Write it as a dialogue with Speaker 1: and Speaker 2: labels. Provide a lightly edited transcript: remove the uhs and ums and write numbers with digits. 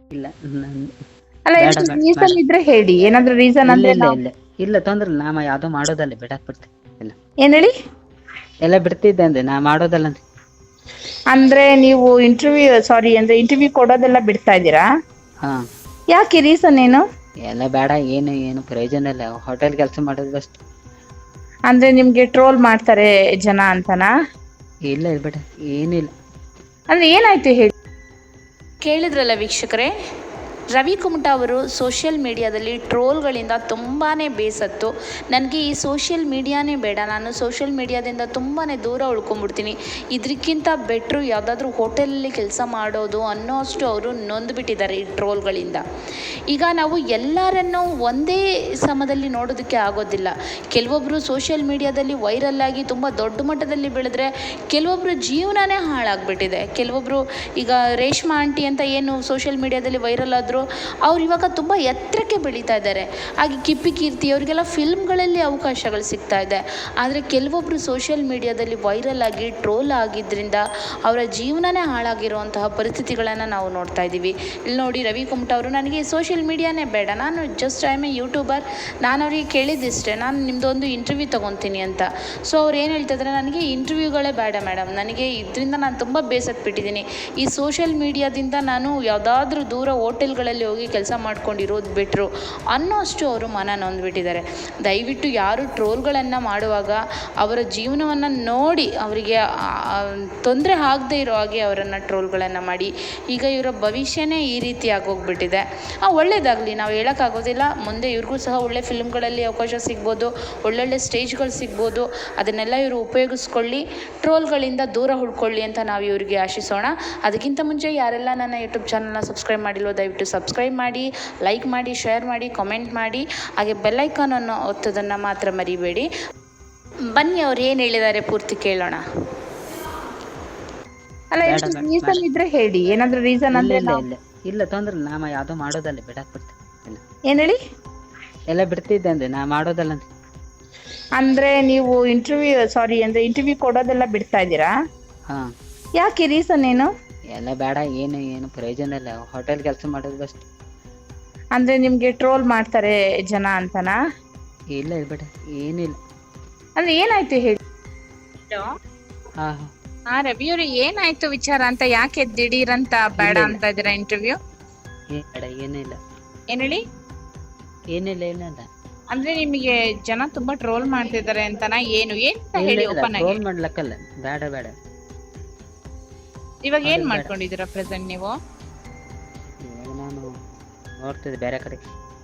Speaker 1: ಇಲ್ಲ
Speaker 2: ಅಲ್ಲ,
Speaker 1: ಬೇಡ
Speaker 2: ಏನಾದ್ರು
Speaker 1: ಬೇಡ ಬೇಡ.
Speaker 2: ರೀಸನ್ ಇದ್ರೆ ಹೇಳಿ. ಏನಾದ್ರು ರೀಸನ್
Speaker 1: ಇಲ್ಲ
Speaker 2: ಅಂದ್ರೆ
Speaker 1: ಇಲ್ಲ
Speaker 2: ನಾವು
Speaker 1: ಇಲ್ಲ ಇಲ್ಲ ತೊಂದ್ರೆ ಇಲ್ಲ. ನಾ ಯಾವ್ದೋ ಮಾಡೋದಲ್ಲ ಬಿಡಾಕ್ ಬಿಡ್ತೀನಿ. ಇಲ್ಲ
Speaker 2: ಏನ್ ಹೇಳಿ.
Speaker 1: ಎಲ್ಲ ಬಿಡ್ತಿದ್ದೆ ಅಂದೆ, ನಾ ಮಾಡೋದಲ್ಲ ಅಂದೆ.
Speaker 2: ಅಂದ್ರೆ ನೀವು ಇಂಟರ್ವ್ಯೂ ಕೊಡೋದೆಲ್ಲ ಬಿಡ್ತಾ ಇದ್ದೀರಾ?
Speaker 1: ಹಾ,
Speaker 2: ಯಾಕೆ, ರೀಸನ್ ಏನು?
Speaker 1: ಎಲ್ಲ ಬೇಡ. ಏನು ಪ್ರಯೋಜನ ಇಲ್ಲ. ಹೋಟೆಲ್ ಕೆಲಸ ಮಾಡೋದು ಬೆಸ್ಟ್.
Speaker 2: ಅಂದ್ರೆ ನಿಮ್ಗೆ ಟ್ರೋಲ್ ಮಾಡ್ತಾರೆ ಜನ ಅಂತನಾ?
Speaker 1: ಇಲ್ಲ ಬಿಡ, ಏನಿಲ್ಲ.
Speaker 2: ಅಂದ್ರೆ ಏನಾಯ್ತು ಹೇಳಿ.
Speaker 3: ಕೇಳಿದ್ರಲ್ಲ ವೀಕ್ಷಕರೇ, ರವಿ ಕುಮಟಾ ಅವರು ಸೋಷಿಯಲ್ ಮೀಡಿಯಾದಲ್ಲಿ ಟ್ರೋಲ್ಗಳಿಂದ ತುಂಬಾ ಬೇಸತ್ತು. ನನಗೆ ಈ ಸೋಷಿಯಲ್ ಮೀಡಿಯಾನೇ ಬೇಡ, ನಾನು ಸೋಷಿಯಲ್ ಮೀಡಿಯಾದಿಂದ ತುಂಬಾ ದೂರ ಉಳ್ಕೊಂಡ್ಬಿಡ್ತೀನಿ, ಇದಕ್ಕಿಂತ ಬೆಟ್ರು ಯಾವುದಾದ್ರೂ ಹೋಟೆಲಲ್ಲಿ ಕೆಲಸ ಮಾಡೋದು ಅನ್ನೋ ಅಷ್ಟು ಅವರು ನೊಂದ್ಬಿಟ್ಟಿದ್ದಾರೆ ಈ ಟ್ರೋಲ್ಗಳಿಂದ. ಈಗ ನಾವು ಎಲ್ಲರನ್ನೂ ಒಂದೇ ಸಮದಲ್ಲಿ ನೋಡೋದಕ್ಕೆ ಆಗೋದಿಲ್ಲ. ಕೆಲವೊಬ್ಬರು ಸೋಷಿಯಲ್ ಮೀಡಿಯಾದಲ್ಲಿ ವೈರಲ್ ಆಗಿ ತುಂಬ ದೊಡ್ಡ ಮಟ್ಟದಲ್ಲಿ ಬೆಳೆದ್ರೆ ಕೆಲವೊಬ್ಬರು ಜೀವನನೇ ಹಾಳಾಗ್ಬಿಟ್ಟಿದೆ. ಕೆಲವೊಬ್ಬರು ಈಗ ರೇಷ್ಮಾ ಆಂಟಿ ಅಂತ ಏನು ಸೋಷಿಯಲ್ ಮೀಡಿಯಾದಲ್ಲಿ ವೈರಲ್ ಆದರು, ಅವ್ರು ಇವಾಗ ತುಂಬ ಎತ್ತರಕ್ಕೆ ಬೆಳೀತಾ ಇದ್ದಾರೆ. ಹಾಗೆ ಕಿಪ್ಪಿ ಕೀರ್ತಿ ಅವರಿಗೆಲ್ಲ ಫಿಲ್ಮ್ಗಳಲ್ಲಿ ಅವಕಾಶಗಳು ಸಿಗ್ತಾ ಇದೆ. ಆದರೆ ಕೆಲವೊಬ್ಬರು ಸೋಷಿಯಲ್ ಮೀಡಿಯಾದಲ್ಲಿ ವೈರಲ್ ಆಗಿ ಟ್ರೋಲ್ ಆಗಿದ್ದರಿಂದ ಅವರ ಜೀವನನೇ ಹಾಳಾಗಿರುವಂತಹ ಪರಿಸ್ಥಿತಿಗಳನ್ನು ನಾವು ನೋಡ್ತಾ ಇದ್ದೀವಿ. ಇಲ್ಲಿ ನೋಡಿ, ರವಿ ಕುಮಟಾ ಅವರು, ನನಗೆ ಸೋಷಿಯಲ್ ಮೀಡಿಯಾನೇ ಬೇಡ, ನಾನು just I am a YouTuber, ನಾನು ಅವ್ರಿಗೆ ಕೇಳಿದ್ದಿಷ್ಟೇ, ನಾನು ನಿಮ್ಮದೊಂದು ಇಂಟರ್ವ್ಯೂ ತೊಗೊತೀನಿ ಅಂತ. ಸೊ ಅವ್ರು ಏನು ಹೇಳ್ತಿದ್ರೆ, ನನಗೆ ಇಂಟರ್ವ್ಯೂಗಳೇ ಬೇಡ ಮೇಡಮ್, ನನಗೆ ಇದರಿಂದ ನಾನು ತುಂಬ ಬೇಸತ್ತು ಬಿಟ್ಟಿದ್ದೀನಿ. ಈ ಸೋಷಿಯಲ್ ಮೀಡಿಯಾದಿಂದ ನಾನು ಯಾವುದಾದ್ರೂ ದೂರ ಹೋಟೆಲ್ಗಳಲ್ಲಿ ಹೋಗಿ ಕೆಲಸ ಮಾಡ್ಕೊಂಡಿರೋದು ಬಿಟ್ಟರು ಅನ್ನೋ ಅಷ್ಟು ಅವರು ಮನ ನೊಂದ್ಬಿಟ್ಟಿದ್ದಾರೆ. ದಯವಿಟ್ಟು ಯಾರು ಟ್ರೋಲ್ಗಳನ್ನು ಮಾಡುವಾಗ ಅವರ ಜೀವನವನ್ನು ನೋಡಿ ಅವರಿಗೆ ತೊಂದರೆ ಆಗದೆ ಇರೋ ಹಾಗೆ ಅವರನ್ನು ಟ್ರೋಲ್ಗಳನ್ನು ಮಾಡಿ. ಈಗ ಇವರ ಭವಿಷ್ಯನೇ ಈ ರೀತಿ ಆಗೋಗ್ಬಿಟ್ಟಿದೆ. ಒಳ್ಳೆಯದಾಗಲಿ, ನಾವು ಹೇಳೋಕ್ಕಾಗೋದಿಲ್ಲ. ಮುಂದೆ ಇವ್ರಿಗೂ ಸಹ ಒಳ್ಳೆ ಫಿಲ್ಮ್ಗಳಲ್ಲಿ ಅವಕಾಶ ಸಿಗ್ಬೋದು, ಒಳ್ಳೊಳ್ಳೆ ಸ್ಟೇಜ್ಗಳು ಸಿಗ್ಬೋದು. ಅದನ್ನೆಲ್ಲ ಇವರು ಉಪಯೋಗಿಸ್ಕೊಳ್ಳಿ, ಟ್ರೋಲ್ಗಳಿಂದ ದೂರ ಉಳ್ಕೊಳ್ಳಿ ಅಂತ ನಾವು ಇವರಿಗೆ ಆಶಿಸೋಣ. ಅದಕ್ಕಿಂತ ಮುಂಚೆ ಯಾರೆಲ್ಲ ನನ್ನ ಯೂಟ್ಯೂಬ್ ಚಾನಲ್ನ ಸಬ್ಸ್ಕ್ರೈಬ್ ಮಾಡಿಲ್ವೋ ದಯವಿಟ್ಟು ಸಬ್ಸ್ಕ್ರೈಬ್ ಮಾಡಿ, ಲೈಕ್ ಮಾಡಿ, ಶೇರ್ ಮಾಡಿ, ಕಾಮೆಂಟ್ ಮಾಡಿ, ಹಾಗೆ ಬೆಲ್ಲೈಕಾನನ್ನು ಒತ್ತೋದನ್ನು ಮಾತ್ರ ಮರಿಬೇಡಿ. ಬನ್ನಿ, ಅವ್ರು ಏನು ಹೇಳಿದ್ದಾರೆ ಪೂರ್ತಿ ಕೇಳೋಣ.
Speaker 2: ಅಲ್ಲ,
Speaker 1: ಬೇಡ
Speaker 2: ಏನಾದ್ರು
Speaker 1: ಬೇಡ ಬೇಡ.
Speaker 2: ರೀಸನ್ ಇದ್ರೆ ಹೇಳಿ. ಏನಾದ್ರು ರೀಸನ್
Speaker 1: ಇಲ್ಲ
Speaker 2: ಅಂದ್ರೆ
Speaker 1: ಇಲ್ಲ
Speaker 2: ನಾವು
Speaker 1: ಇಲ್ಲ ಇಲ್ಲ ತೊಂದ್ರೆ ಇಲ್ಲ. ನಾ ಯಾವ್ದೋ ಮಾಡೋದಲ್ಲ ಬಿಡಾಕ್ ಬಿಡ್ತೀನಿ. ಇಲ್ಲ
Speaker 2: ಏನ್ ಹೇಳಿ.
Speaker 1: ಎಲ್ಲ ಬಿಡ್ತಿದ್ದೆ ಅಂದೆ, ನಾ ಮಾಡೋದಲ್ಲ ಅಂದೆ.
Speaker 2: ಅಂದ್ರೆ ನೀವು ಇಂಟರ್ವ್ಯೂ ಕೊಡೋದೆಲ್ಲ ಬಿಡ್ತಾ ಇದ್ದೀರಾ?
Speaker 1: ಹಾ,
Speaker 2: ಯಾಕೆ, ರೀಸನ್ ಏನು?
Speaker 1: ಎಲ್ಲ ಬೇಡ. ಏನು ಪ್ರಯೋಜನ ಇಲ್ಲ. ಹೋಟೆಲ್ ಕೆಲಸ ಮಾಡೋದು ಬೆಸ್ಟ್.
Speaker 2: ಅಂದ್ರೆ ನಿಮ್ಗೆ ಟ್ರೋಲ್ ಮಾಡ್ತಾರೆ ಜನ ಅಂತನಾ?
Speaker 1: ಇಲ್ಲ ಬಿಡ, ಏನಿಲ್ಲ.
Speaker 2: ಅಂದ್ರೆ ಏನಾಯ್ತು ಹೇಳಿ.
Speaker 1: ಹಾ
Speaker 2: ಹಾ, ರವಿ ಅವ್ರೆ, ಏನಾಯ್ತು ವಿಚಾರ ಅಂತ, ಯಾಕೆ ದಿಢೀರಂತ ಬೇಡ
Speaker 1: ಇಲ್ಲ ಇಲ್ಲ
Speaker 2: ಅಂತ ಇದ್ದೀರಾ ಇಂಟರ್ವ್ಯೂ?
Speaker 1: ಬೇಡ, ಏನಿಲ್ಲ.
Speaker 2: ಏನ್ ಹೇಳಿ.
Speaker 1: ಏನಿಲ್ಲ.
Speaker 2: ಅಂದ್ರೆ ನಿಮಗೆ ಜನ ತುಂಬಾ ಟ್ರೋಲ್ ಮಾಡ್ತಿದ್ದಾರೆ ಅಂತನಾ? ಏನು ಅಂತ
Speaker 1: ಇಲ್ಲ
Speaker 2: ಹೇಳಿ
Speaker 1: ಇಲ್ಲ,
Speaker 2: ಓಪನ್ ಆಗಿ.
Speaker 1: ಟ್ರೋಲ್ ಮಾಡ್ಲಕ್ಕಲ್ಲ. ಬೇಡ ಬೇಡ.
Speaker 2: ಇವಾಗ ಏನ್
Speaker 1: ಮಾಡೋದು ಬೇಡ.
Speaker 2: ಮಾಡ್ಕೊಂಡಿದ್ದೀರಾ ಪ್ರೆಸೆಂಟ್ ನೀವು?
Speaker 1: ಇವಾಗ ನಾನು ನೋಡ್ತಿದ್ದೆ ಬೇರೆ ಕಡೆ.